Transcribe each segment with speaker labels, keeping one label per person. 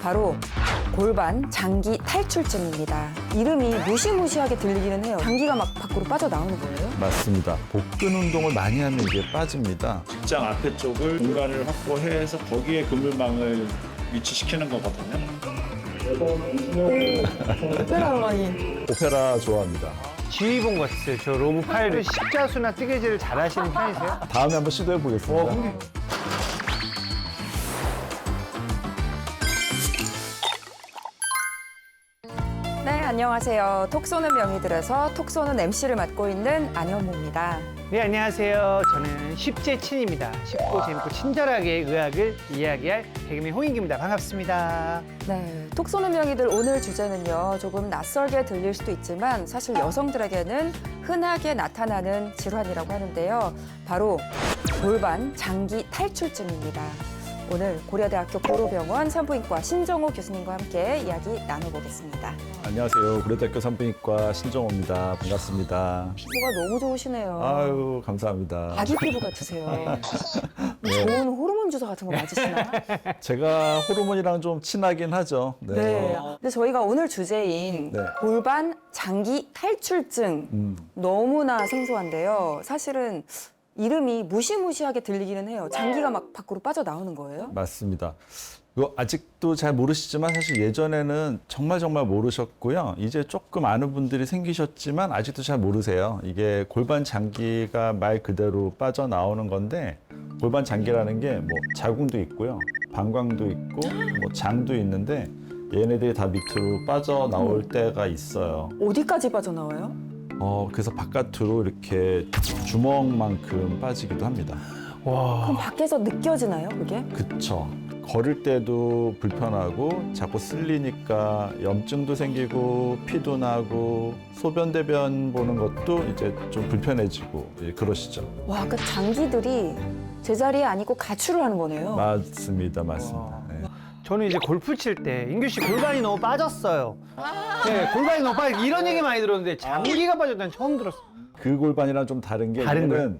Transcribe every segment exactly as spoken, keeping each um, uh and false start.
Speaker 1: 바로 골반 장기 탈출증입니다. 이름이 무시무시하게 들리기는 해요. 장기가 막 밖으로 빠져나오는 거예요?
Speaker 2: 맞습니다. 복근 운동을 많이 하면 이게 빠집니다.
Speaker 3: 직장 앞에 쪽을 공간을 확보해서 거기에 그물망을 위치시키는 거거든요.
Speaker 1: 오페라 음악이.
Speaker 2: 오페라 좋아합니다.
Speaker 4: 지휘 본 것 같았어요. 저 로브 파일을 십자수나 뜨개질을 잘 하시는 편이세요?
Speaker 2: 다음에 한번 시도해 보겠습니다.
Speaker 4: 어, 근데
Speaker 1: 네, 안녕하세요. 톡 쏘는 명의들에서 톡 쏘는 엠씨를 맡고 있는 안현모입니다.
Speaker 4: 네, 안녕하세요. 저는 쉽제 친입니다. 쉽고 재밌고 친절하게 의학을 이야기할 개그맨 홍인기입니다. 반갑습니다.
Speaker 1: 네, 톡 쏘는 명의들 오늘 주제는요. 조금 낯설게 들릴 수도 있지만 사실 여성들에게는 흔하게 나타나는 질환이라고 하는데요. 바로 골반 장기 탈출증입니다. 오늘 고려대학교 고로병원 산부인과 신정호 교수님과 함께 이야기 나눠보겠습니다.
Speaker 2: 안녕하세요. 고려대학교 산부인과 신정호입니다. 반갑습니다.
Speaker 1: 피부가 너무 좋으시네요.
Speaker 2: 아유, 감사합니다.
Speaker 1: 아기 피부 같으세요. 좋은 호르몬 주사 같은 거 맞으시나?
Speaker 2: 제가 호르몬이랑 좀 친하긴 하죠. 네.
Speaker 1: 네. 근데 저희가 오늘 주제인
Speaker 2: 네.
Speaker 1: 골반 장기 탈출증
Speaker 2: 음,
Speaker 1: 너무나 생소한데요. 사실은 이름이 무시무시하게 들리기는 해요. 장기가 막 밖으로 빠져나오는 거예요?
Speaker 2: 맞습니다. 이거 아직도 잘 모르시지만 사실 예전에는 정말 정말 모르셨고요. 이제 조금 아는 분들이 생기셨지만 아직도 잘 모르세요. 이게 골반 장기가 말 그대로 빠져나오는 건데 골반 장기라는 게 뭐 자궁도 있고요. 방광도 있고 뭐 장도 있는데 얘네들이 다 밑으로 빠져나올 때가 있어요.
Speaker 1: 어디까지 빠져나와요?
Speaker 2: 어, 그래서 바깥으로 이렇게 주먹만큼 빠지기도 합니다.
Speaker 4: 와,
Speaker 1: 그럼 밖에서 느껴지나요, 그게?
Speaker 2: 그쵸. 걸을 때도 불편하고 자꾸 쓸리니까 염증도 생기고 피도 나고 소변 대변 보는 것도 이제 좀 불편해지고 예, 그러시죠.
Speaker 1: 와, 그 장기들이 제자리에 아니고 가출을 하는 거네요.
Speaker 2: 맞습니다, 맞습니다. 네.
Speaker 4: 저는 이제 골프 칠 때 인규 씨 골반이 너무 빠졌어요. 네, 골반이 너무 빠져. 이런 얘기 많이 들었는데 장기가 빠졌다는 처음 들었어요.
Speaker 2: 그 골반이랑 좀 다른 게
Speaker 4: 다른
Speaker 2: 얘는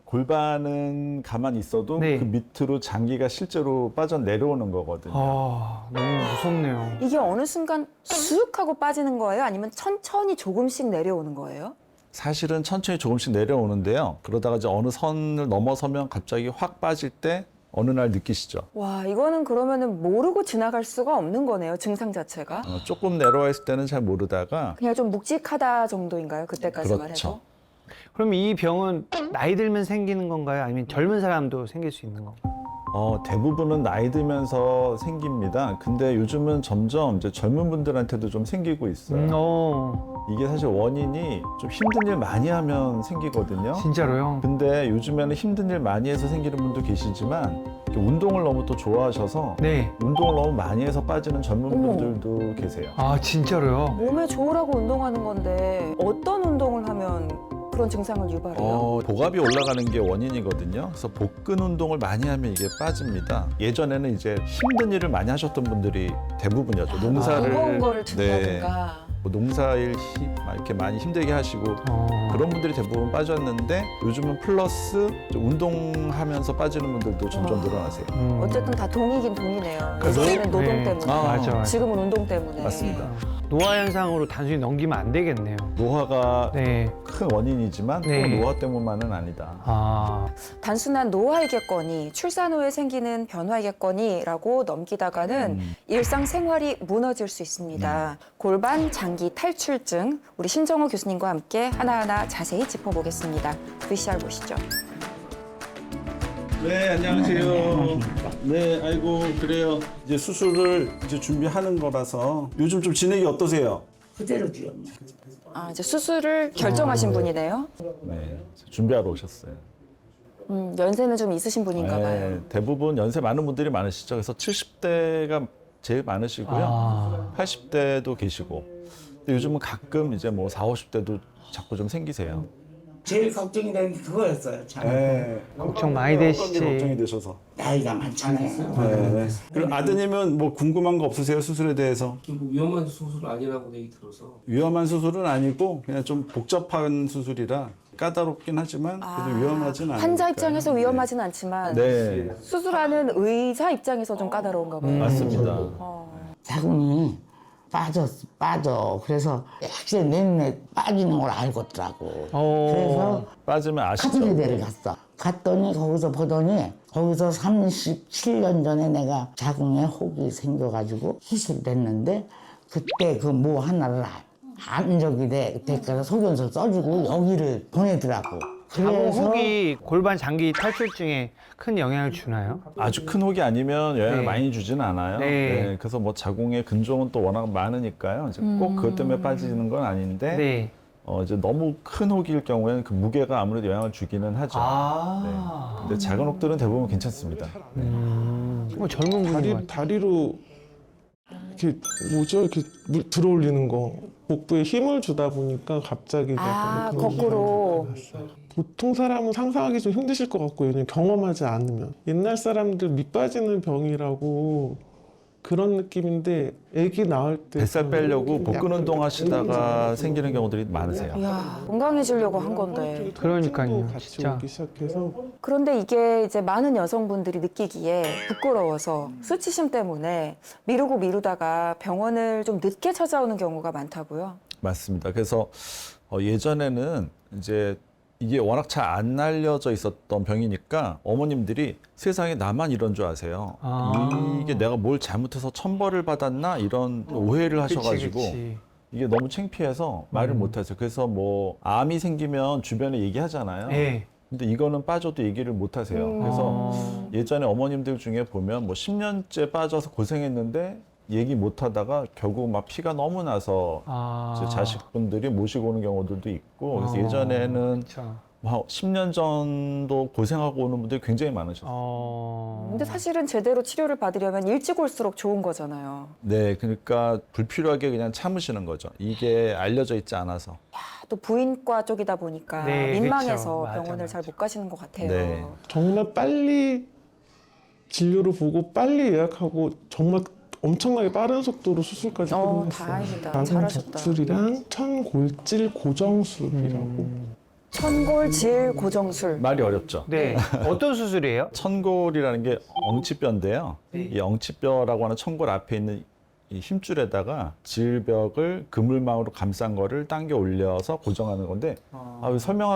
Speaker 2: 골반은 가만히 있어도
Speaker 4: 네.
Speaker 2: 그 밑으로 장기가 실제로 빠져 내려오는 거거든요.
Speaker 4: 아, 너무 무섭네요.
Speaker 1: 이게 어느 순간 쑥 하고 빠지는 거예요? 아니면 천천히 조금씩 내려오는 거예요?
Speaker 2: 사실은 천천히 조금씩 내려오는데요. 그러다가 이제 어느 선을 넘어서면 갑자기 확 빠질 때 어느 날 느끼시죠.
Speaker 1: 와, 이거는 그러면은 모르고 지나갈 수가 없는 거네요, 증상 자체가.
Speaker 2: 어, 조금 내려와 있을 때는 잘 모르다가
Speaker 1: 그냥 좀 묵직하다 정도인가요? 그때까지만
Speaker 2: 그렇죠.
Speaker 1: 해도?
Speaker 4: 그럼 이 병은 나이 들면 생기는 건가요? 아니면 젊은 사람도 생길 수 있는 건가요?
Speaker 2: 어, 대부분은 나이 들면서 생깁니다. 근데 요즘은 점점 이제 젊은 분들한테도 좀 생기고 있어요.
Speaker 4: 음, 어,
Speaker 2: 이게 사실 원인이 좀 힘든 일 많이 하면 생기거든요.
Speaker 4: 진짜로요?
Speaker 2: 근데 요즘에는 힘든 일 많이 해서 생기는 분도 계시지만 이렇게 운동을 너무 또 좋아하셔서
Speaker 4: 네.
Speaker 2: 운동을 너무 많이 해서 빠지는 젊은
Speaker 1: 어머.
Speaker 2: 분들도 계세요.
Speaker 4: 아, 진짜로요?
Speaker 1: 몸에 좋으라고 운동하는 건데 어떤 운동을 하면 그런 증상을 유발해요?
Speaker 2: 어, 복압이 올라가는 게 원인이거든요. 그래서 복근 운동을 많이 하면 이게 빠집니다. 예전에는 이제 힘든 일을 많이 하셨던 분들이 대부분이었죠. 농사를
Speaker 1: 무거운 거를
Speaker 2: 네,
Speaker 1: 든다든가.
Speaker 2: 뭐 농사일 힘, 막 이렇게 많이 힘들게 하시고
Speaker 4: 어.
Speaker 2: 그런 분들이 대부분 빠졌는데 요즘은 플러스 좀 운동하면서 빠지는 분들도 점점
Speaker 1: 와.
Speaker 2: 늘어나세요.
Speaker 4: 음.
Speaker 1: 어쨌든 다 동이긴 동이네요.
Speaker 2: 그래서-
Speaker 1: 예전에는 노동
Speaker 4: 네.
Speaker 1: 때문에,
Speaker 2: 아,
Speaker 4: 맞아, 맞아.
Speaker 1: 지금은 운동 때문에.
Speaker 2: 맞습니다.
Speaker 4: 노화 현상으로 단순히 넘기면 안 되겠네요.
Speaker 2: 노화가
Speaker 4: 네.
Speaker 2: 큰 원인이지만
Speaker 4: 네.
Speaker 2: 또 노화 때문만은 아니다.
Speaker 4: 아,
Speaker 1: 단순한 노화이겠거니, 출산 후에 생기는 변화이겠거니라고 넘기다가는
Speaker 2: 음.
Speaker 1: 일상생활이 무너질 수 있습니다. 골반 장기 탈출증, 우리 신정호 교수님과 함께 하나하나 자세히 짚어보겠습니다. 브이씨알 보시죠.
Speaker 5: 네, 안녕하세요. 네, 아이고, 그래요. 이제 수술을 이제 준비하는 거라서 요즘 좀 진행이 어떠세요?
Speaker 6: 그대로죠.
Speaker 1: 아, 이제 수술을 결정하신 분이네요.
Speaker 2: 네, 준비하러 오셨어요.
Speaker 1: 음, 연세는 좀 있으신 분인가 봐요.
Speaker 2: 네, 대부분 연세 많은 분들이 많으시죠. 그래서 칠십 대가 제일 많으시고요.
Speaker 4: 아.
Speaker 2: 팔십 대도 계시고. 근데 요즘은 가끔 이제 뭐 사오십 대도 자꾸 좀 생기세요.
Speaker 6: 제일 걱정이 되는 게 그거였어요. 참.
Speaker 5: 네.
Speaker 4: 걱정 많이
Speaker 5: 어떤 게
Speaker 4: 되시지.
Speaker 5: 걱정이 되셔서.
Speaker 6: 나이가 많잖아요.
Speaker 5: 네. 그리고 아드님은 뭐 궁금한 거 없으세요? 수술에 대해서?
Speaker 7: 뭐 위험한 수술 아니라고 얘기 들어서
Speaker 5: 위험한 수술은 아니고 그냥 좀 복잡한 수술이라 까다롭긴 하지만 그래도 위험하진 않아요.
Speaker 1: 환자 입장에서 위험하진 않지만
Speaker 2: 네,
Speaker 1: 수술하는 의사 입장에서 좀 까다로운가 봐요.
Speaker 2: 맞습니다.
Speaker 1: 어.
Speaker 6: 자궁이 빠졌, 빠져. 그래서 확실히 내눈에 빠지는 걸 알겠더라고.
Speaker 4: 어.
Speaker 6: 그래서
Speaker 2: 빠지면 아시죠?
Speaker 6: 카트리데를 갔어. 갔더니 거기서 보더니 거기서 삼십칠 년 전에 내가 자궁에 혹이 생겨가지고 수술됐는데 그때 그 뭐 하나를 안 적이 돼. 그래서 소견서 써주고 여기를 보내더라고.
Speaker 4: 자궁
Speaker 6: 그래서
Speaker 4: 혹이 골반 장기 탈출증에 큰 영향을 주나요?
Speaker 2: 아주 큰 혹이 아니면 영향을
Speaker 4: 네.
Speaker 2: 많이 주지는 않아요.
Speaker 4: 네.
Speaker 2: 네, 그래서 뭐 자궁의 근종은 또 워낙 많으니까요. 이제 꼭 그것 때문에 빠지는 건 아닌데
Speaker 4: 네.
Speaker 2: 어, 이제 너무 큰 혹일 경우에는 그 무게가 아무래도 영향을 주기는 하죠.
Speaker 4: 아.
Speaker 2: 네. 근데 작은 혹들은 대부분 괜찮습니다.
Speaker 4: 음. 뭐 젊은 분인 것
Speaker 8: 다리,
Speaker 4: 같아요.
Speaker 8: 다리로 이렇게 뭐죠? 이렇게 물 들어올리는 거. 복부에 힘을 주다 보니까 갑자기
Speaker 1: 아,
Speaker 8: 약간 그런
Speaker 1: 거꾸로.
Speaker 8: 일어났어요. 보통 사람은 상상하기 좀 힘드실 것 같고요. 왜냐면 경험하지 않으면. 옛날 사람들 밑 빠지는 병이라고 그런 느낌인데 아기 낳을 때
Speaker 2: 뱃살 빼려고 복근
Speaker 8: 약간
Speaker 2: 운동 하시다가
Speaker 8: 약간
Speaker 2: 생기는 경우들이 많으세요.
Speaker 1: 이야, 건강해지려고 한 건데.
Speaker 4: 그러니까요,
Speaker 8: 같이
Speaker 4: 진짜.
Speaker 8: 오기 시작해서
Speaker 1: 그런데 이게 이제 많은 여성분들이 느끼기에 부끄러워서 수치심 때문에 미루고 미루다가 병원을 좀 늦게 찾아오는 경우가 많다고요.
Speaker 2: 맞습니다. 그래서 어, 예전에는 이제 이게 워낙 잘 안 알려져 있었던 병이니까 어머님들이 세상에 나만 이런 줄 아세요.
Speaker 4: 아.
Speaker 2: 이게 내가 뭘 잘못해서 천벌을 받았나 이런 오해를 하셔가지고
Speaker 4: 그치, 그치.
Speaker 2: 이게 너무 창피해서 말을
Speaker 4: 음.
Speaker 2: 못하세요. 그래서 뭐 암이 생기면 주변에 얘기하잖아요.
Speaker 4: 네.
Speaker 2: 근데 이거는 빠져도 얘기를 못 하세요. 그래서
Speaker 4: 아.
Speaker 2: 예전에 어머님들 중에 보면 뭐 십 년째 빠져서 고생했는데 얘기 못 하다가 결국 막 피가 너무 나서
Speaker 4: 아.
Speaker 2: 이제 자식분들이 모시고 오는 경우들도 있고 그래서
Speaker 4: 아.
Speaker 2: 예전에는
Speaker 4: 그쵸.
Speaker 2: 십 년 전도 고생하고 오는 분들이 굉장히 많으셨어요.
Speaker 4: 어.
Speaker 1: 근데 사실은 제대로 치료를 받으려면 일찍 올수록 좋은 거잖아요.
Speaker 2: 네, 그러니까 불필요하게 그냥 참으시는 거죠. 이게 알려져 있지 않아서.
Speaker 1: 아, 또 부인과 쪽이다 보니까
Speaker 4: 네,
Speaker 1: 민망해서
Speaker 4: 그쵸. 맞아,
Speaker 1: 병원을 잘
Speaker 4: 맞아.
Speaker 1: 못 가시는 것 같아요.
Speaker 2: 네.
Speaker 8: 정말 빨리 진료를 보고 빨리 예약하고 정말 엄청나게 빠른 속도로 수술까지
Speaker 1: 어,
Speaker 8: 끝냈어요.
Speaker 1: 다행이다.
Speaker 8: 나는
Speaker 1: 잘하셨다.
Speaker 8: 수술이랑 천골질 고정술이라고.
Speaker 1: 천골질 고정술.
Speaker 2: 말이 어렵죠.
Speaker 4: 네. 어떤 수술이에요?
Speaker 2: 천골이라는 게 엉치뼈인데요.
Speaker 4: 네.
Speaker 2: 이 엉치뼈라고 하는 천골 앞에 있는 이 힘줄에다가 질벽을 그물망으로 감싼 거를 당겨 올려서 고정하는 건데 아,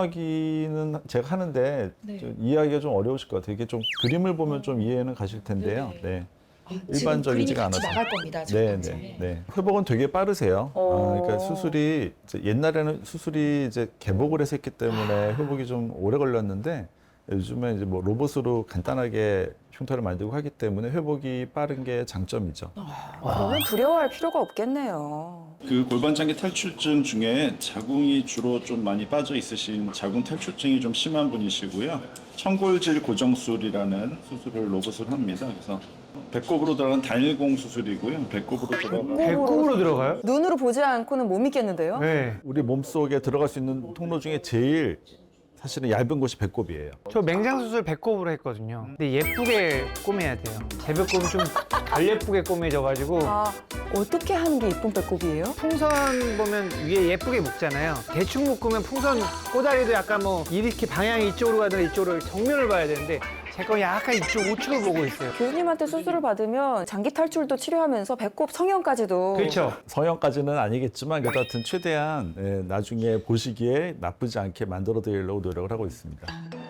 Speaker 2: 설명하기는 제가 하는데 좀 이해하기가 좀 어려우실 것 같아요. 이게 좀 그림을 보면 좀 이해는 가실 텐데요. 네. 일반적이지가 않아서.
Speaker 9: 나갈 겁니다.
Speaker 2: 네, 네, 네. 회복은 되게 빠르세요.
Speaker 1: 어.
Speaker 2: 아, 그러니까 수술이 이제 옛날에는 수술이 이제 개복을 해서 했기 때문에 회복이 좀 오래 걸렸는데 요즘에 이제 뭐 로봇으로 간단하게 흉터를 만들고 하기 때문에 회복이 빠른 게 장점이죠.
Speaker 1: 그러면 두려워할 필요가 없겠네요.
Speaker 3: 그 골반장기 탈출증 중에 자궁이 주로 좀 많이 빠져 있으신 자궁 탈출증이 좀 심한 분이시고요. 천골질 고정술이라는 수술을 로봇을 합니다. 그래서 배꼽으로 들어가는 단일공 수술이고요. 배꼽으로 들어가는
Speaker 4: 배꼽으로 들어가요?
Speaker 1: 눈으로 보지 않고는 못 믿겠는데요?
Speaker 4: 네.
Speaker 2: 우리 몸속에 들어갈 수 있는 통로 중에 제일 사실은 얇은 곳이 배꼽이에요.
Speaker 4: 저 맹장 수술 배꼽으로 했거든요. 근데 예쁘게 꼬매야 돼요. 제 배꼽은 좀 덜 예쁘게 꼬매져가지고
Speaker 1: 아, 어떻게 하는 게 이쁜 배꼽이에요?
Speaker 4: 풍선 보면 위에 예쁘게 묶잖아요. 대충 묶으면 풍선 꼬다리도 약간 뭐 이렇게 방향이 이쪽으로 가든 이쪽으로 정면을 봐야 되는데 제 건 약간 이쪽 우측을 보고 있어요.
Speaker 1: 교수님한테 수술을 받으면 장기 탈출도 치료하면서 배꼽 성형까지도
Speaker 4: 그렇죠.
Speaker 2: 성형까지는 아니겠지만 그래도 하여튼 최대한 예, 나중에 보시기에 나쁘지 않게 만들어 드리려고 노력을 하고 있습니다.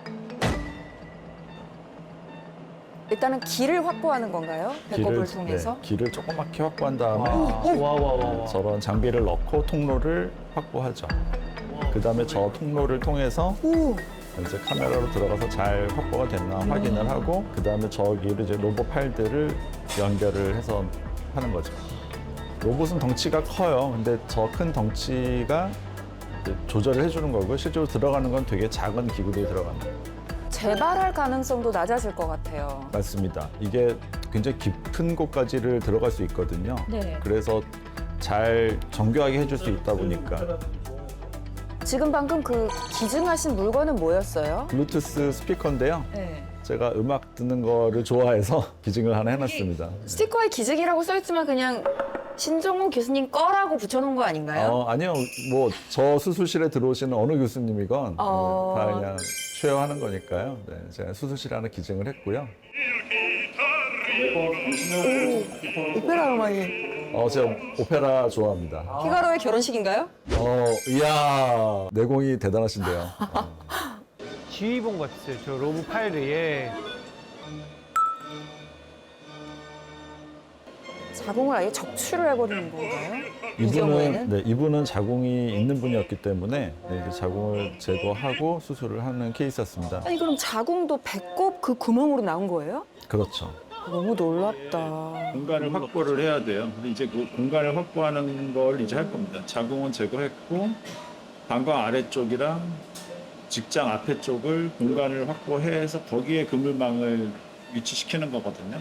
Speaker 1: 일단은 길을 확보하는 건가요? 배꼽을
Speaker 2: 길을,
Speaker 1: 통해서?
Speaker 2: 네, 길을 조그맣게 확보한 다음에
Speaker 4: 와와와.
Speaker 2: 저런 장비를 넣고 통로를 확보하죠. 그 다음에 저 통로를 통해서
Speaker 1: 오,
Speaker 2: 이제 카메라로 들어가서 잘 확보가 됐나 확인을 하고 그 다음에 저기를 이제 로봇 파일들을 연결을 해서 하는 거죠. 로봇은 덩치가 커요. 근데 저 큰 덩치가 이제 조절을 해주는 거고요. 실제로 들어가는 건 되게 작은 기구들이 들어갑니다.
Speaker 1: 재발할 가능성도 낮아질 것 같아요.
Speaker 2: 맞습니다. 이게 굉장히 깊은 곳까지를 들어갈 수 있거든요.
Speaker 1: 네.
Speaker 2: 그래서 잘 정교하게 해줄 수 있다 보니까
Speaker 1: 지금 방금 그 기증하신 물건은 뭐였어요?
Speaker 2: 블루투스 스피커인데요.
Speaker 1: 네.
Speaker 2: 제가 음악 듣는 거를 좋아해서 기증을 하나 해놨습니다.
Speaker 1: 스티커에 기증이라고 써있지만 그냥 신종호 교수님 거라고 붙여놓은 거 아닌가요?
Speaker 2: 어, 아니요. 뭐 저 수술실에 들어오시는 어느 교수님이건
Speaker 1: 어.
Speaker 2: 네, 다 그냥 쉐어하는 거니까요. 네, 제가 수술실에 하나 기증을 했고요.
Speaker 1: 오페라 음악이.
Speaker 2: 어, 제가 오페라 좋아합니다.
Speaker 1: 피가로의 결혼식인가요?
Speaker 2: 어, 이야, 내공이 대단하신데요.
Speaker 4: 지휘본 같았어요. 저 로브 파일에.
Speaker 1: 자궁을 아예 적출을 해버리는 건가요? 이
Speaker 2: 이분은
Speaker 1: 경우에는?
Speaker 2: 네, 이분은 자궁이 있는 분이었기 때문에 네, 이제 자궁을 제거하고 수술을 하는 케이스였습니다.
Speaker 1: 아니 그럼 자궁도 배꼽 그 구멍으로 나온 거예요?
Speaker 2: 그렇죠.
Speaker 1: 너무 놀랍다.
Speaker 3: 공간을 확보를 해야 돼요. 근데 이제 그 공간을 확보하는 걸 이제 할 겁니다. 자궁은 제거했고 방광 아래쪽이랑 직장 앞에 쪽을 공간을 확보해서 거기에 그물망을 위치시키는 거거든요.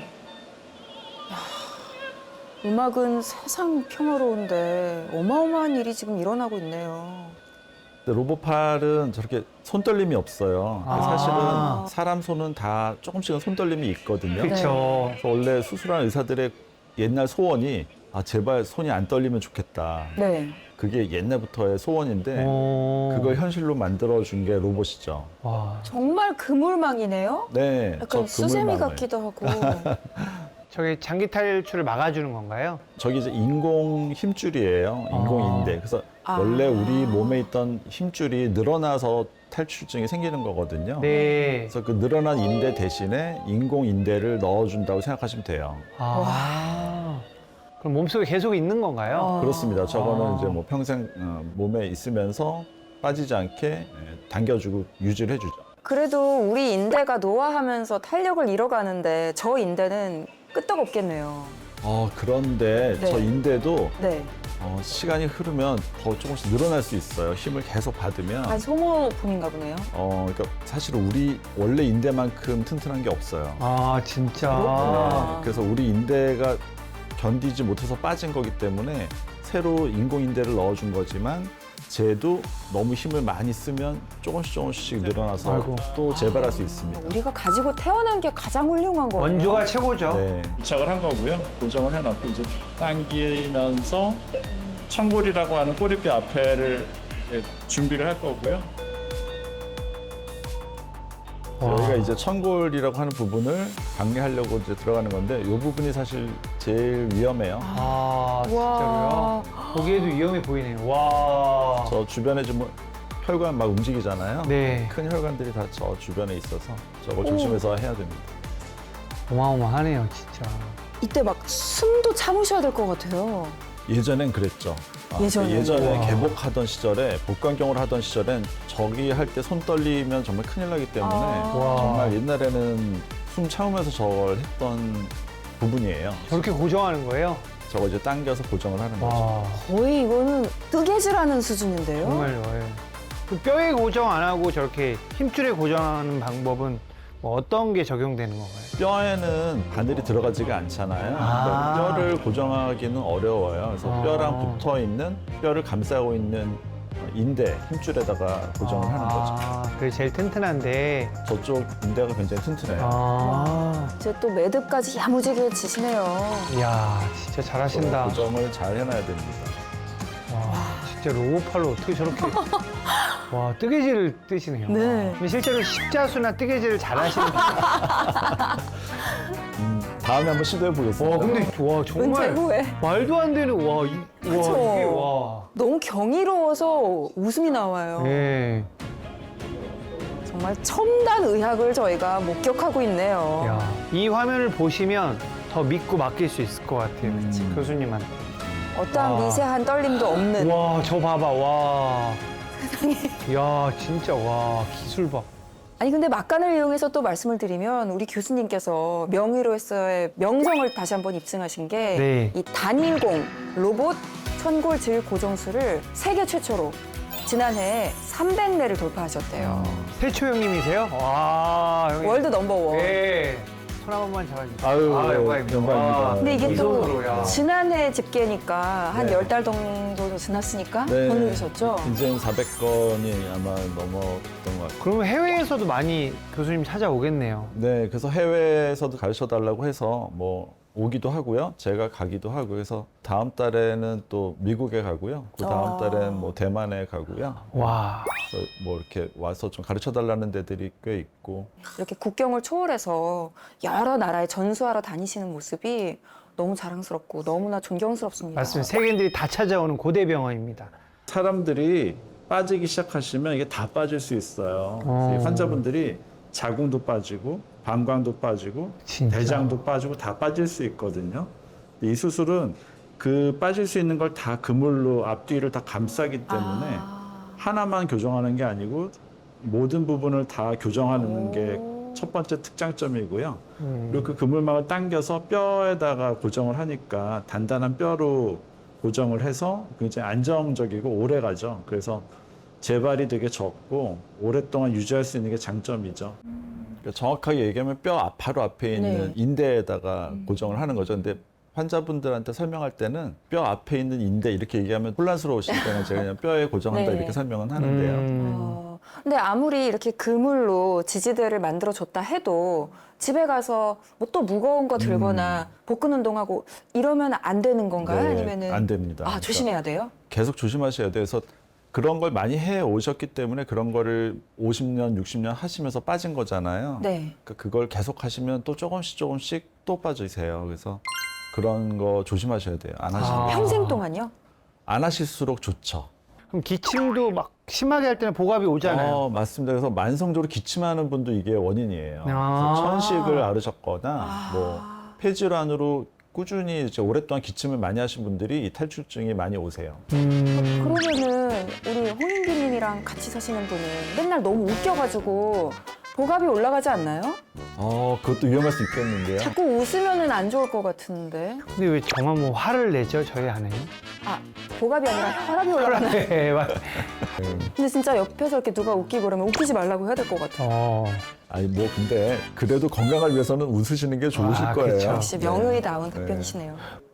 Speaker 1: 음악은 세상 평화로운데 어마어마한 일이 지금 일어나고 있네요.
Speaker 2: 근데 로보팔은 저렇게 손떨림이 없어요. 근데
Speaker 4: 아.
Speaker 2: 사실은 사람 손은 다 조금씩은 손떨림이 있거든요.
Speaker 4: 그렇죠.
Speaker 2: 그래서 원래 수술한 의사들의 옛날 소원이 아 제발 손이 안 떨리면 좋겠다.
Speaker 1: 네.
Speaker 2: 그게 옛날부터의 소원인데
Speaker 4: 어.
Speaker 2: 그걸 현실로 만들어 준 게 로봇이죠.
Speaker 4: 와.
Speaker 1: 정말 그물망이네요.
Speaker 2: 네,
Speaker 1: 약간
Speaker 2: 저
Speaker 1: 수세미
Speaker 2: 그물망을.
Speaker 1: 같기도 하고.
Speaker 4: 저게 장기 탈출을 막아주는 건가요?
Speaker 2: 저기 이제 인공 힘줄이에요. 인공
Speaker 4: 아.
Speaker 2: 인대. 그래서
Speaker 1: 아.
Speaker 2: 원래 우리 몸에 있던 힘줄이 늘어나서 탈출증이 생기는 거거든요.
Speaker 4: 네.
Speaker 2: 그래서 그 늘어난 인대 대신에 인공 인대를 넣어준다고 생각하시면 돼요.
Speaker 4: 아. 그럼 몸속에 계속 있는 건가요?
Speaker 1: 어.
Speaker 2: 그렇습니다. 저거는
Speaker 4: 아.
Speaker 2: 이제 뭐 평생 어, 몸에 있으면서 빠지지 않게 예, 당겨주고 유지를 해주죠.
Speaker 1: 그래도 우리 인대가 노화하면서 탄력을 잃어가는데 저 인대는 끄떡없겠네요.
Speaker 2: 어, 그런데
Speaker 1: 네.
Speaker 2: 저 인대도
Speaker 1: 네.
Speaker 2: 어, 시간이 흐르면 더 조금씩 늘어날 수 있어요. 힘을 계속 받으면.
Speaker 1: 아, 소모품인가 보네요.
Speaker 2: 어, 그러니까 사실 우리 원래 인대만큼 튼튼한 게 없어요.
Speaker 4: 아, 진짜.
Speaker 1: 그렇구나.
Speaker 2: 네, 그래서 우리 인대가 견디지 못해서 빠진 거기 때문에 새로 인공 인대를 넣어준 거지만 쟤도 너무 힘을 많이 쓰면 조금씩 조금씩 늘어나서
Speaker 4: 아이고.
Speaker 2: 또 재발할 수 있습니다.
Speaker 1: 우리가 가지고 태어난 게 가장 훌륭한 거예요.
Speaker 4: 원조가 최고죠.
Speaker 2: 네.
Speaker 3: 부착을 한 거고요. 고정을 해놨고 이제 당기면서 청골이라고 하는 꼬리뼈 앞에를 이제 준비를 할 거고요.
Speaker 4: 와.
Speaker 2: 여기가 이제 천골이라고 하는 부분을 방해하려고 이제 들어가는 건데 이 부분이 사실 제일 위험해요.
Speaker 4: 아,
Speaker 1: 와.
Speaker 4: 진짜로요? 보기에도 위험해 보이네요. 와.
Speaker 2: 저 주변에 좀 혈관 막 움직이잖아요.
Speaker 4: 네.
Speaker 2: 큰 혈관들이 다 저 주변에 있어서 저거 조심해서 해야 됩니다.
Speaker 4: 어마어마하네요, 진짜.
Speaker 1: 이때 막 숨도 참으셔야 될 것 같아요.
Speaker 2: 예전엔 그랬죠. 아,
Speaker 1: 예전에는.
Speaker 2: 예전에
Speaker 4: 와.
Speaker 2: 개복하던 시절에 복강경을 하던 시절엔 저기 할 때 손 떨리면 정말 큰일 나기 때문에
Speaker 1: 아.
Speaker 4: 와.
Speaker 2: 정말 옛날에는 숨 참으면서 저걸 했던 부분이에요.
Speaker 4: 저렇게 고정하는 거예요?
Speaker 2: 저거 이제 당겨서 고정을 하는 거죠.
Speaker 4: 와.
Speaker 1: 거의 이거는 뜨개질하는 수준인데요.
Speaker 4: 정말요. 예. 그 뼈에 고정 안 하고 저렇게 힘줄에 고정하는 방법은 뭐 어떤 게 적용되는 건가요?
Speaker 2: 뼈에는 바늘이 들어가지가 않잖아요.
Speaker 4: 아.
Speaker 2: 그러니까 뼈를 고정하기는 어려워요. 그래서
Speaker 4: 아.
Speaker 2: 뼈랑 붙어 있는 뼈를 감싸고 있는 인대, 힘줄에다가 고정을 하는 거죠.
Speaker 4: 아, 그게 제일 튼튼한데.
Speaker 2: 저쪽 인대가 굉장히 튼튼해요.
Speaker 4: 아.
Speaker 1: 이제 또 매듭까지 야무지게 지시네요.
Speaker 4: 이야, 진짜 잘하신다.
Speaker 2: 고정을 잘 해놔야 됩니다.
Speaker 4: 와, 진짜 로봇팔로 어떻게 저렇게. 와, 뜨개질을 뜨시네요.
Speaker 1: 네.
Speaker 4: 근데 실제로 십자수나 뜨개질을 잘하시는 분.
Speaker 2: 음, 다음에 한번 시도해 보겠습니다.
Speaker 4: 와, 근데 와,
Speaker 1: 은퇴
Speaker 4: 정말
Speaker 1: 후에
Speaker 4: 말도 안 되는 와, 이, 와,
Speaker 1: 그쵸.
Speaker 4: 이게 와.
Speaker 1: 너무 경이로워서 웃음이 나와요.
Speaker 4: 네.
Speaker 1: 정말 첨단 의학을 저희가 목격하고 있네요.
Speaker 4: 야, 이 화면을 보시면 더 믿고 맡길 수 있을 것 같아요.
Speaker 2: 음.
Speaker 4: 교수님한테.
Speaker 1: 어떠한
Speaker 4: 와.
Speaker 1: 미세한 떨림도 없는.
Speaker 4: 와, 저 봐봐, 와. 야, 진짜, 와, 기술 봐.
Speaker 1: 아니 근데 막간을 이용해서 또 말씀을 드리면 우리 교수님께서 명의로서의 명성을 다시 한번 입증하신 게
Speaker 4: 네.
Speaker 1: 이 단일공 로봇 천골질 고정술을 세계 최초로 지난해 삼백 대를 돌파하셨대요.
Speaker 4: 태초 형님이세요? 와, 형님.
Speaker 1: 월드 넘버원.
Speaker 4: 네. 손 한 번만 잡아주세요.
Speaker 2: 아유,
Speaker 4: 아, 영광입니다.
Speaker 2: 영광입니다.
Speaker 4: 와.
Speaker 1: 근데 이게
Speaker 4: 이
Speaker 1: 또
Speaker 4: 정도로, 야.
Speaker 1: 지난해 집계니까 한
Speaker 2: 네.
Speaker 1: 열 달 정도 지났으니까
Speaker 2: 네.
Speaker 1: 더 늘으셨죠?
Speaker 2: 이제는 사백 건이 아마 넘었던 것 같아요.
Speaker 4: 그러면 해외에서도 많이 교수님 찾아오겠네요.
Speaker 2: 네, 그래서 해외에서도 가르쳐 달라고 해서 뭐 오기도 하고요. 제가 가기도 하고 그래서 다음 달에는 또 미국에 가고요. 그 다음
Speaker 1: 아.
Speaker 2: 달에는 뭐 대만에 가고요.
Speaker 4: 와.
Speaker 2: 그래서 뭐 이렇게 와서 좀 가르쳐 달라는 데들이 꽤 있고
Speaker 1: 이렇게 국경을 초월해서 여러 나라에 전수하러 다니시는 모습이 너무 자랑스럽고 너무나 존경스럽습니다.
Speaker 4: 맞습니다. 세계인들이 다 찾아오는 고대 병원입니다.
Speaker 3: 사람들이 빠지기 시작하시면 이게 다 빠질 수 있어요. 그래서 이 환자분들이 자궁도 빠지고 방광도 빠지고
Speaker 4: 진짜?
Speaker 3: 대장도 빠지고 다 빠질 수 있거든요. 이 수술은 그 빠질 수 있는 걸 다 그물로 앞뒤를 다 감싸기 때문에
Speaker 1: 아.
Speaker 3: 하나만 교정하는 게 아니고 모든 부분을 다 교정하는 게 첫 번째 특장점이고요. 그리고 그 그물망을 당겨서 뼈에다가 고정을 하니까 단단한 뼈로 고정을 해서 굉장히 안정적이고 오래 가죠. 그래서 재발이 되게 적고 오랫동안 유지할 수 있는 게 장점이죠.
Speaker 2: 그러니까 정확하게 얘기하면 뼈 바로 앞에 있는
Speaker 1: 네.
Speaker 2: 인대에다가 고정을 하는 거죠. 근데 환자분들한테 설명할 때는 뼈 앞에 있는 인대 이렇게 얘기하면 혼란스러우시니까 제가 그냥 뼈에 고정한다
Speaker 1: 네.
Speaker 2: 이렇게 설명은 하는데요.
Speaker 4: 음.
Speaker 1: 어, 근데 아무리 이렇게 그물로 지지대를 만들어 줬다 해도 집에 가서 뭐 또 무거운 거 들거나 복근 운동하고 이러면 안 되는 건가요?
Speaker 2: 네,
Speaker 1: 아니면은
Speaker 2: 안 됩니다.
Speaker 1: 아,
Speaker 2: 그러니까
Speaker 1: 조심해야 돼요?
Speaker 2: 계속 조심하셔야 돼요. 그래서 그런 걸 많이 해 오셨기 때문에 그런 거를 오십 년, 육십 년 하시면서 빠진 거잖아요.
Speaker 1: 네.
Speaker 2: 그러니까 그걸 계속 하시면 또 조금씩 조금씩 또 빠지세요. 그래서 그런 거 조심하셔야 돼요. 안 하시면.
Speaker 4: 아.
Speaker 1: 평생 동안요?
Speaker 2: 안 하실수록 좋죠.
Speaker 4: 그럼 기침도 막 심하게 할 때는 복압이 오잖아요.
Speaker 2: 어, 맞습니다. 그래서 만성적으로 기침하는 분도 이게 원인이에요.
Speaker 4: 아.
Speaker 2: 그래서 천식을 앓으셨거나
Speaker 1: 아.
Speaker 2: 뭐 폐질환으로 꾸준히 이제 오랫동안 기침을 많이 하신 분들이 이 탈출증이 많이 오세요.
Speaker 4: 음.
Speaker 1: 그러면은 우리 홍인기님이랑 같이 사시는 분은 맨날 너무 웃겨가지고 복압이 올라가지 않나요?
Speaker 2: 어, 그것도 위험할 수 있겠는데요.
Speaker 1: 자꾸 웃으면은 안 좋을 것 같은데.
Speaker 4: 근데 왜 저만 뭐 화를 내죠, 저희 아내는?
Speaker 1: 아, 복압이 아니라 혈압이 올라가나요?
Speaker 4: 네, 맞.
Speaker 1: 근데 진짜 옆에서 이렇게 누가 웃기고 그러면 웃기지 말라고 해야 될 것 같아요.
Speaker 4: 어.
Speaker 2: 아니 뭐 근데 그래도 건강을 위해서는 웃으시는 게 좋으실
Speaker 4: 아,
Speaker 2: 거예요.
Speaker 4: 그쵸.
Speaker 1: 역시 명의다운
Speaker 2: 네.
Speaker 1: 답변이시네요.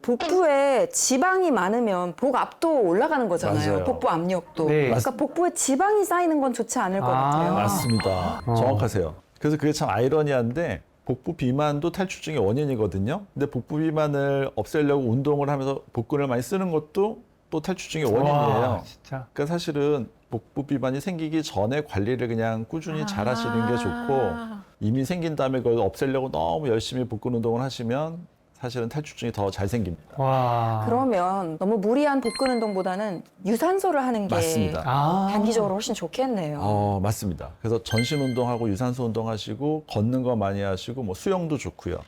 Speaker 1: 복부에 지방이 많으면 복압도 올라가는 거잖아요.
Speaker 2: 맞아요.
Speaker 1: 복부 압력도.
Speaker 4: 네.
Speaker 1: 그러니까 복부에 지방이 쌓이는 건 좋지 않을 것
Speaker 4: 아,
Speaker 1: 같아요.
Speaker 2: 맞습니다.
Speaker 4: 어.
Speaker 2: 정확하세요. 그래서 그게 참 아이러니한데 복부 비만도 탈출증의 원인이거든요. 근데 복부 비만을 없애려고 운동을 하면서 복근을 많이 쓰는 것도 또 탈출증의 원인이에요.
Speaker 4: 와, 진짜.
Speaker 2: 그러니까 사실은 복부 비만이 생기기 전에 관리를 그냥 꾸준히
Speaker 1: 아.
Speaker 2: 잘 하시는 게 좋고 이미 생긴 다음에 그걸 없애려고 너무 열심히 복근 운동을 하시면 사실은 탈출증이 더 잘 생깁니다.
Speaker 4: 와.
Speaker 1: 그러면 너무 무리한 복근 운동보다는 유산소를 하는 게
Speaker 2: 맞습니다.
Speaker 4: 아.
Speaker 1: 단기적으로 훨씬 좋겠네요.
Speaker 2: 어, 맞습니다. 그래서 전신 운동하고 유산소 운동하시고 걷는 거 많이 하시고 뭐 수영도 좋고요.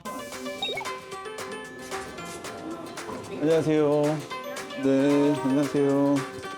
Speaker 3: 안녕하세요. 네, 안녕하세요.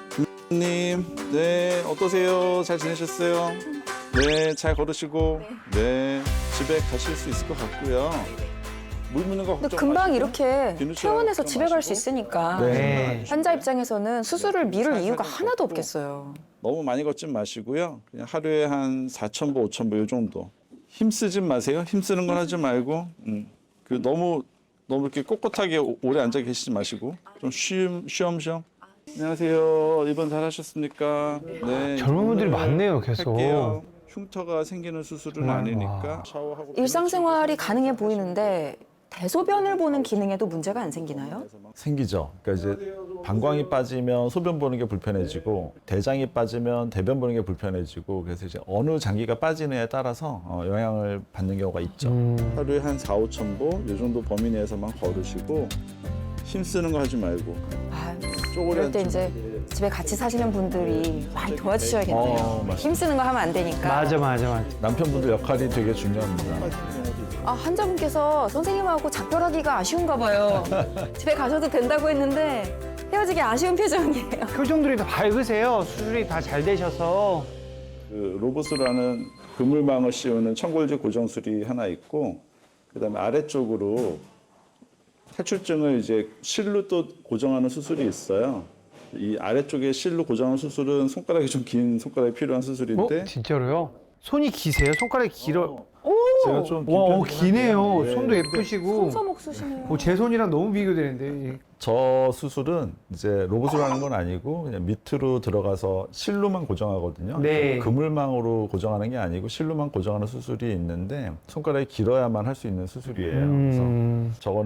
Speaker 3: 님, 네, 어떠세요? 잘 지내셨어요? 네, 잘 걸으시고, 네, 집에 가실 수 있을 것 같고요. 물 묻는 거
Speaker 1: 근데
Speaker 3: 걱정
Speaker 1: 금방
Speaker 3: 마시고,
Speaker 1: 이렇게
Speaker 3: 비누처럼
Speaker 1: 퇴원해서 집에 갈 수
Speaker 3: 마시고.
Speaker 1: 있으니까
Speaker 4: 네.
Speaker 1: 환자 입장에서는 수술을 미룰
Speaker 3: 살살
Speaker 1: 이유가
Speaker 3: 좀
Speaker 1: 하나도
Speaker 3: 걷고.
Speaker 1: 없겠어요.
Speaker 3: 너무 많이 걷지 마시고요. 그냥 하루에 한 사천 보, 오천 보 이 정도. 힘쓰지 마세요. 힘쓰는 건 하지 말고, 음. 그 너무 너무 이렇게 꼿꼿하게 오- 오래 앉아 계시지 마시고 좀 쉬엄 쉬엄쉬엄. 안녕하세요. 입원 잘 하셨습니까? 네.
Speaker 4: 젊은 분들이
Speaker 3: 입원을
Speaker 4: 많네요, 계속.
Speaker 3: 할게요. 흉터가 생기는 수술은
Speaker 4: 와.
Speaker 3: 아니니까 샤워하고
Speaker 1: 일상생활이 가능해 보이는데 대소변을 보는 기능에도 문제가 안 생기나요?
Speaker 2: 생기죠. 그러니까 이제 방광이 빠지면 소변 보는 게 불편해지고 대장이 빠지면 대변 보는 게 불편해지고 그래서 이제 어느 장기가 빠지느냐에 따라서 어, 영향을 받는 경우가 있죠.
Speaker 4: 음.
Speaker 3: 하루에 한 사, 오천 보 이 정도 범위 내에서만 걸으시고 힘쓰는 거 하지 말고
Speaker 1: 아,
Speaker 3: 쪼그려
Speaker 1: 이럴 때
Speaker 3: 앉지
Speaker 1: 이제
Speaker 3: 말고.
Speaker 1: 집에 같이 사시는 분들이 많이 도와주셔야겠네요.
Speaker 2: 어, 맞습니다.
Speaker 1: 힘쓰는 거 하면 안 되니까.
Speaker 4: 맞아, 맞아, 맞아.
Speaker 2: 남편분들 역할이 되게 중요합니다.
Speaker 1: 아, 환자분께서 선생님하고 작별하기가 아쉬운가 봐요. 집에 가셔도 된다고 했는데 헤어지기 아쉬운 표정이에요.
Speaker 4: 표정들이 다 밝으세요. 수술이 다 잘 되셔서.
Speaker 3: 그 로봇으로 하는 그물망을 씌우는 청골제 고정술이 하나 있고 그다음에 아래쪽으로 탈출증을 이제 실로 또 고정하는 수술이 있어요. 이 아래쪽에 실로 고정하는 수술은 손가락이 좀 긴 손가락이 필요한
Speaker 4: 어?
Speaker 3: 수술인데
Speaker 4: 진짜로요? 손이 기세요? 손가락이 길어.
Speaker 3: 제가 좀
Speaker 4: 와, 어,
Speaker 3: 긴
Speaker 4: 기네요.
Speaker 3: 편이긴
Speaker 4: 손도
Speaker 3: 한데
Speaker 4: 예쁘시고.
Speaker 1: 손서목 쓰시네요.
Speaker 4: 어, 제 손이랑 너무 비교되는데.
Speaker 2: 저 수술은 이제 로봇으로 하는 건 아니고 그냥 밑으로 들어가서 실로만 고정하거든요.
Speaker 4: 네.
Speaker 2: 그물망으로 고정하는 게 아니고 실로만 고정하는 수술이 있는데 손가락이 길어야만 할 수 있는 수술이에요. 그래서
Speaker 4: 음.
Speaker 2: 저거는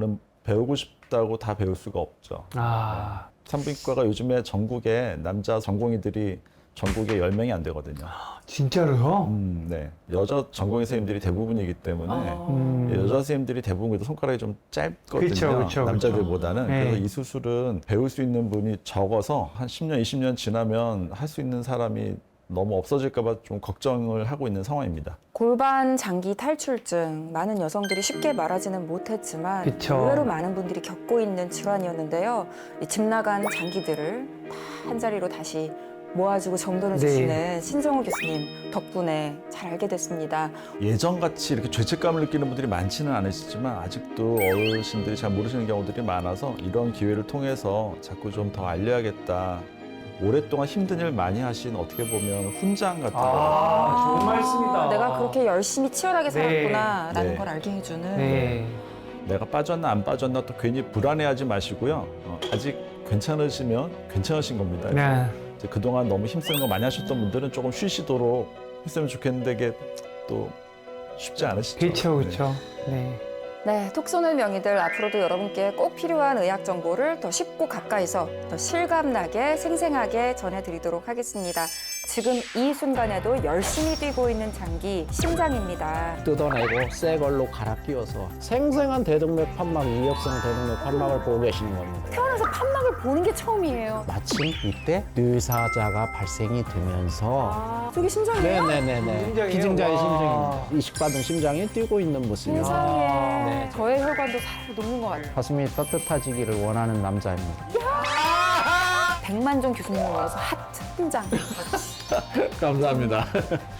Speaker 2: 배우고 싶다고 다 배울 수가 없죠.
Speaker 4: 아,
Speaker 2: 산부인과가 요즘에 전국에 남자 전공의들이 전국에 열 명이 안 되거든요.
Speaker 4: 진짜로요?
Speaker 2: 음, 네. 여자 전공의 선생님들이 대부분이기 때문에
Speaker 4: 음.
Speaker 2: 여자 선생님들이 대부분 그래도 손가락이 좀 짧거든요.
Speaker 4: 그쵸, 그쵸,
Speaker 2: 남자들보다는.
Speaker 4: 네.
Speaker 2: 그래서 이 수술은 배울 수 있는 분이 적어서 한 십 년, 이십 년 지나면 할 수 있는 사람이 너무 없어질까 봐 좀 걱정을 하고 있는 상황입니다.
Speaker 1: 골반 장기 탈출증, 많은 여성들이 쉽게 말하지는 못했지만
Speaker 4: 그쵸.
Speaker 1: 의외로 많은 분들이 겪고 있는 질환이었는데요. 이 집 나간 장기들을 다 한자리로 다시 모아주고 정돈해
Speaker 4: 네.
Speaker 1: 주시는 신정우 교수님 덕분에 잘 알게 됐습니다.
Speaker 2: 예전같이 이렇게 죄책감을 느끼는 분들이 많지는 않으시지만 아직도 어르신들이 잘 모르시는 경우들이 많아서 이런 기회를 통해서 자꾸 좀 더 알려야겠다. 오랫동안 힘든 일 많이 하신 어떻게 보면 훈장 같은 거.
Speaker 4: 아,
Speaker 7: 좋은 말씀이다.
Speaker 1: 내가 그렇게 열심히 치열하게
Speaker 4: 네.
Speaker 1: 살았구나라는
Speaker 2: 네.
Speaker 1: 걸 알게 해주는
Speaker 4: 네.
Speaker 2: 내가 빠졌나 안 빠졌나 또 괜히 불안해하지 마시고요. 어, 아직 괜찮으시면 괜찮으신 겁니다.
Speaker 4: 네.
Speaker 2: 이제 그동안 너무 힘쓰는 거 많이 하셨던 분들은 조금 쉬시도록 했으면 좋겠는데 이게 또 쉽지 않으시죠.
Speaker 4: 그렇죠,
Speaker 2: 네.
Speaker 4: 그렇죠. 네.
Speaker 1: 네, 톡 쏘는 명의들 앞으로도 여러분께 꼭 필요한 의학 정보를 더 쉽고 가까이서 더 실감나게 생생하게 전해드리도록 하겠습니다. 지금 이 순간에도 열심히 뛰고 있는 장기, 심장입니다.
Speaker 9: 뜯어내고 새 걸로 갈아 끼워서 생생한 대동맥 판막, 이엽성 대동맥 판막을 보고 계시는 겁니다.
Speaker 1: 태어나서 판막을 보는 게 처음이에요.
Speaker 9: 마침 이때 뇌사자가 발생이 되면서
Speaker 1: 아, 저게 심장이에요?
Speaker 9: 네네네네
Speaker 4: 심장이에요?
Speaker 9: 기증자의
Speaker 4: 와.
Speaker 9: 심장입니다. 이식받은 심장이 뛰고 있는 모습이요.
Speaker 1: 세상에.
Speaker 9: 네.
Speaker 1: 저의 혈관도 살짝 녹는 것 같아요.
Speaker 9: 가슴이 따뜻해지기를 원하는 남자입니다.
Speaker 1: 백만종 교수님을 위해서 하트 한 장.
Speaker 9: 감사합니다.